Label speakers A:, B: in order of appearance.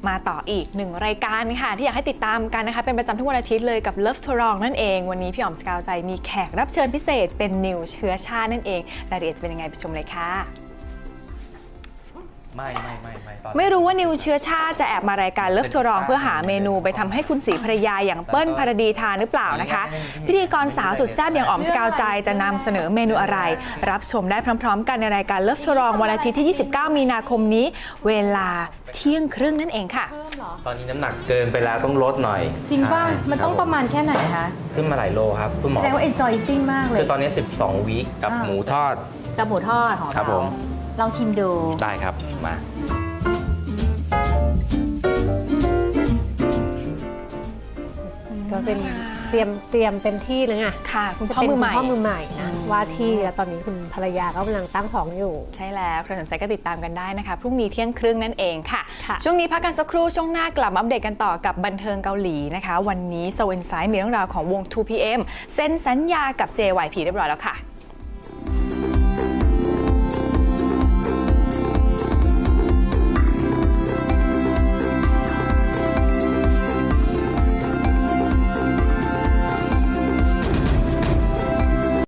A: มาต่ออีก1รายการค่ะที่อยากให้ติดตามกันนะคะเป็นประจำทุกวันอาทิตย์เลยกับ Love to Wrong นั่นเองวันนี้พี่อ๋อมสกาวใจมีแขกรับเชิญพิเศษเป็นนิวเชื้อชาตินั่นเองรายละเอียดจะเป็นยังไงไปชมเลยค่ะไม่รู้ว่านิวเชื้อชาติจะแอบมารายการเลิฟทัวร์รองเพื่อหาเมนูไปทำให้คุณศรีภรรยาอย่างเปิ้ลภรดีทานหรือเปล่านะคะพิธีกรสาวสุดแซ่บอย่างอ๋อมสกาวใจจะนำเสนอเมนูอะไรรับชมได้พร้อมๆกันในรายการเลิฟทัวร์รองวันอาทิตย์ที่29มีนาคมนี้เวลาเที่ยงครึ่งนั่นเองค่ะ
B: ตอนนี้น้ำหนักเกินไปแล้วต้องลดหน่อย
C: จริงป่ะมันต้องประมาณแค่ไหนคะ
B: ขึ้นมาหลายโลครับคุณหมอ
C: แสดงว่า enjoy eating มากเลย
B: คือตอนนี้12วีคกับหมูทอด
C: กับหมูทอดของเราลองชิมดู
B: ได้ครับมา
D: ก็เป็นเตรียมเป็นที่เลยไง
A: ค่ะคุณพ่อมือให
D: ม่นะว่าที่แล้วตอนนี้คุณภรรยาก็กำลังตั้งท้องอยู่
A: ใช่แล้วใครสนใจก็ติดตามกันได้นะคะพรุ่งนี้เที่ยงครึ่งนั่นเองค่ะช่วงนี้พักกันสักครู่ช่วงหน้ากลับมาอัปเดตกันต่อกับบันเทิงเกาหลีนะคะวันนี้โซเอนไซด์มีเรื่องราวของวง 2PM เซ็นสัญญากับ JYP เรียบร้อยแล้วค่ะ